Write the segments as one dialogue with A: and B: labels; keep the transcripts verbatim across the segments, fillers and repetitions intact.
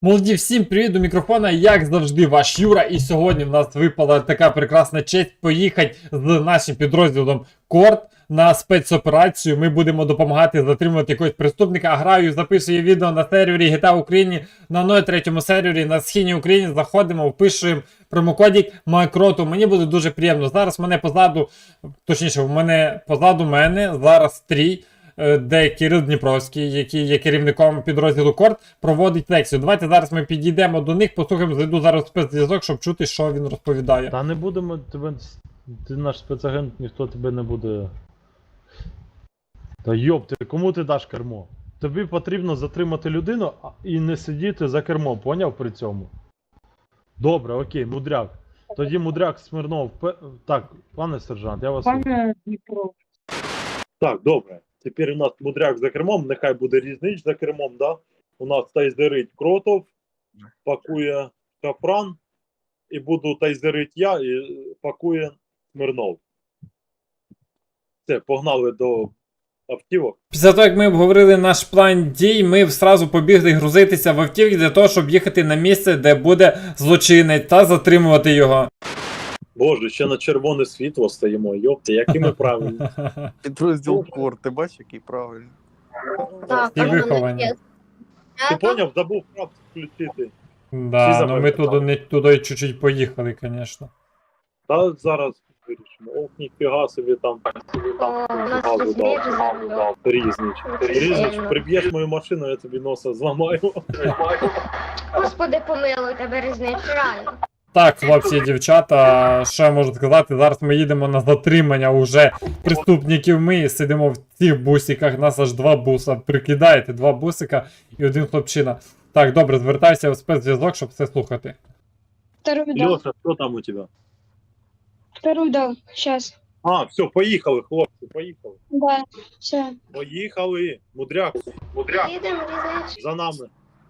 A: Молоді, всім привіт до мікрофона, як завжди, ваш Юра. І сьогодні в нас випала така прекрасна честь поїхати з нашим підрозділом Корт на спецоперацію. Ми будемо допомагати затримувати якогось преступника. Граю, записую відео на сервері джі ті ей Україні, на нуль третьому сервері на східній Україні. Заходимо, впишуємо промокодик Макроту. Мені буде дуже приємно. Зараз мене позаду, точніше, в мене позаду мене зараз трій. Де Кирил Дніпровський, який є керівником підрозділу Корт, проводить лекцію. Давайте зараз ми підійдемо до них, послухаємо, зайду зараз в спецзв'язок, щоб чути, що він розповідає.
B: Та не будемо тебе. Ти наш спецагент, ніхто тебе не буде. Та йоп, ти кому ти даш кермо? Тобі потрібно затримати людину і не сидіти за кермом, поняв при цьому? Добре, окей, мудряк. Тоді мудряк Смирнов. Так, пане сержант, я вас.
C: Пане Дніпро.
D: Так, добре. Тепер у нас мудряк за кермом, нехай буде різнич за кермом, да? У нас тайзерить Кротов, пакує Капран, і буду тайзерить я, і пакує Смирнов. Все, погнали до автівок.
A: Після того, як ми обговорили наш план дій, ми зразу побігли грузитися в автівки для того, щоб їхати на місце, де буде злочинець, та затримувати його.
D: Боже, ще на червоне світло стоїмо, йопте, які ми правильні.
E: Підрозділ Кор, ти бачиш, який правильний?
F: Так,
A: І виховані.
D: Ти поняв, забув прап включити.
A: Да,
D: Всі
A: ну ми
D: запам'ятали.
A: туди, не, туди чуть-чуть поїхали, звісно.
D: Та зараз вирішимо. Ох, ніфіга собі там.
F: О, у нас
D: Газу
F: тут
D: дав.
F: різнич.
D: Різнич. Різнич, приб'єш мою машину, я тобі носа зламаю.
F: Господи, помилуй тебе різнич, реально.
A: Так, хлопці і дівчата, що я можу сказати, зараз ми їдемо на затримання уже преступників. Ми сидимо в цих бусиках, нас аж два буса, прикидаєте, два бусика і один хлопчина. Так, добре, звертайся в спецзв'язок, щоб все слухати.
C: Второй дал.
D: Льоша, що там у тебе?
C: Второй дал. Сейчас.
D: А, все, поїхали, хлопці, поїхали.
C: Да. Все.
D: Поїхали. Мудряк, мудряк,
F: Їдемо, різнич.
D: за нами.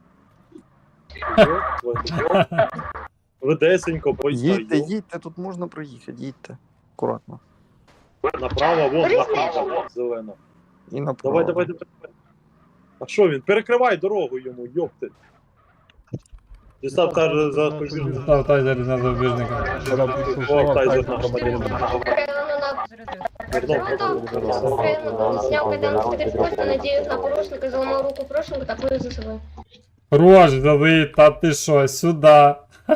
D: Ведесенько,
E: Їдьте,
D: поїхали.
E: їдьте, тут можна проїхати, їдьте. Акуратно.
D: Направо, вон,
F: Різнич.
D: направо, зелено.
E: І направо.
D: Давай, давай, давай. А що він? Перекривай дорогу йому, йопти. Дістав каже за спобіжника.
A: Став тайзер на запобіжника.
D: О, тайзер на громадянина.
F: Снял кайданку, перескочил, надеюсь на порушника, заломал руку порушника, такую за собой.
A: Рож, дали, та ти що, сюди.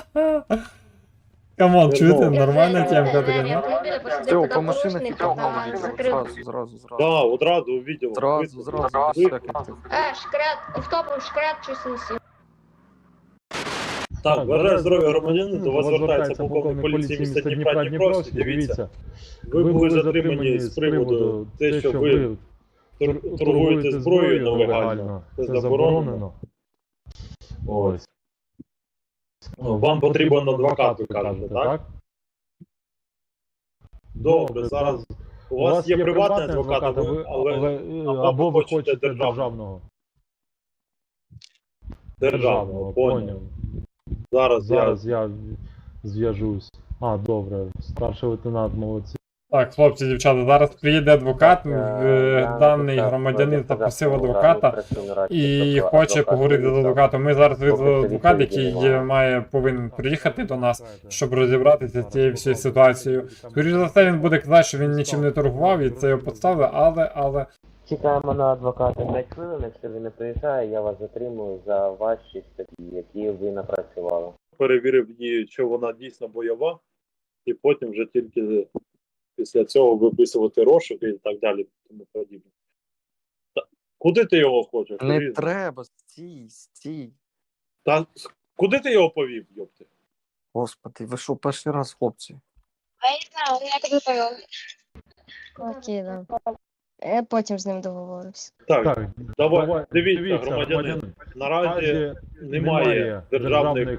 A: Камон, чуєте, нормальна темка така, ні?
E: Все, по машинах і погнали. Зразу, зразу, зразу.
D: Да, одразу увидел.
E: Зразу, зразу, без всяких тих.
F: Е, шкрет, автопом шкрет, щось несу.
D: Так, вважаю здоров'я громадянина, до вас звертається
B: звертається
D: полковник поліції міста Дніпра Дніпровський. Дивіться, ви були затримані з приводу те, що ви тор- торгуєте зброєю нелегально. Це заборонено.
B: Ось.
D: Вам потрібен адвокат, ви кажете, так? Добре, зараз у вас є приватний адвокат, а ви- але
B: або ви
D: хочете
B: хочете
D: державного.
B: державного.
D: державного, поняв. Зараз я...
B: Зараз я зв'яжусь. А, добре. Старший лейтенант, молодці.
A: Так, хлопці, дівчата, зараз приїде адвокат, е, даний громадянин запросив адвоката і хоче поговорити з адвокатом. Ми зараз визвали адвоката, який є- має, повинен приїхати до нас, щоб розібратися з цією всією ситуацією. Скоріше за все, він буде казати, що він нічим не торгував і це його підставили, але, але...
G: Чекаємо на адвоката п'ять хвилин, якщо він не приїжджає, я вас затримую за ваші статті, які ви напрацювали.
D: перевірив її, що вона дійсно бойова, і потім вже тільки після цього виписувати розшуки і так далі, тому подібне. Та, куди ти його хочеш?
E: Не
D: Різно.
E: треба, стій, стій.
D: Та, куди ти його повів, йопти?
E: Господи, ви що, перший раз, хлопці?
C: А я знаю, я тебе повел.
H: Окей, да. Я потім з ним договорюсь.
D: Так,
B: Так,
D: давай, дивіться, громадянин, наразі немає державних...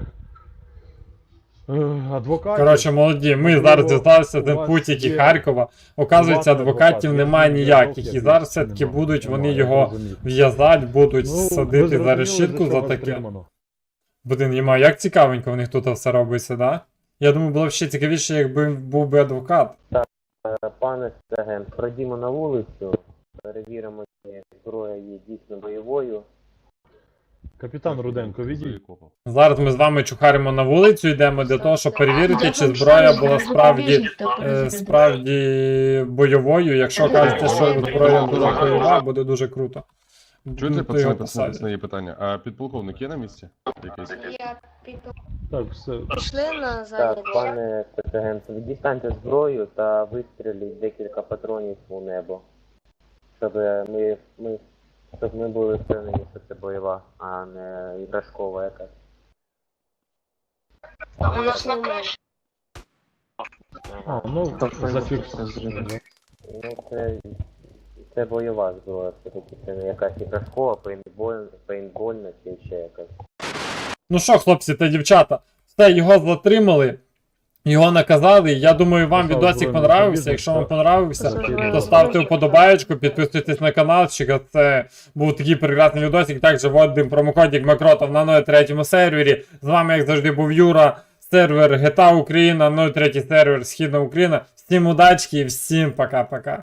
B: е, адвокатів.
A: Коротше, молоді, ми зараз дізналися з інпутіки Харкова. Оказується, адвокатів немає ніяких. І зараз все-таки будуть вони його в'язати, будуть
B: Ну,
A: садити за решітку за таке. Блин, Єма, як цікавенько в них тут все робиться, да? Я думаю, було б ще цікавіше, якби був би адвокат.
G: Е, Пане агент, пройдімо на вулицю, перевіримо, чи зброя є дійсно бойовою.
B: Капітан Руденко, відійдіть.
A: Зараз ми з вами чухаримо на вулицю, йдемо для того, щоб перевірити, чи зброя була справді, е, справді бойовою. Якщо кажете, що зброя була бойова, буде дуже круто.
I: Чуєте,
A: Ну, то
I: пацани,
A: його
I: пацани,
A: посадять.
I: пацани, є питання. А підполковник є на місці? Якийсь?
F: Я піду.
B: Так, все.
H: Пішли на
G: Так,
H: задній двір.
G: пане спецагент, дістаньте зброю та вистріліть декілька патронів у небо. Щоб ми, ми, щоб ми були впевнені, що це бойова, а не іграшкова якась.
H: У нас немає.
B: А, ну, зафіксуємо.
G: Ну, це, це бойова зброя, все-таки це не якась іграшкова, пейнтбольна, пейнтбольна чи ще якась.
A: Ну що, хлопці та дівчата, все, його затримали, його наказали. Я думаю, вам
B: Послав
A: відосик
B: збройний
A: понравився.
B: бізнес,
A: Якщо вам
B: так.
A: понравився,
B: Закидуємо.
A: то ставте вподобаєчку, підписуйтесь на каналчик. Це був такий прекрасний відосик. Також вводимо промокодик Макротов на нуль третьому сервері. З вами, як завжди, був Юра, сервер джі ті ей Україна, нуль третій сервер Східна Україна. Всім удачки і всім пока-пока.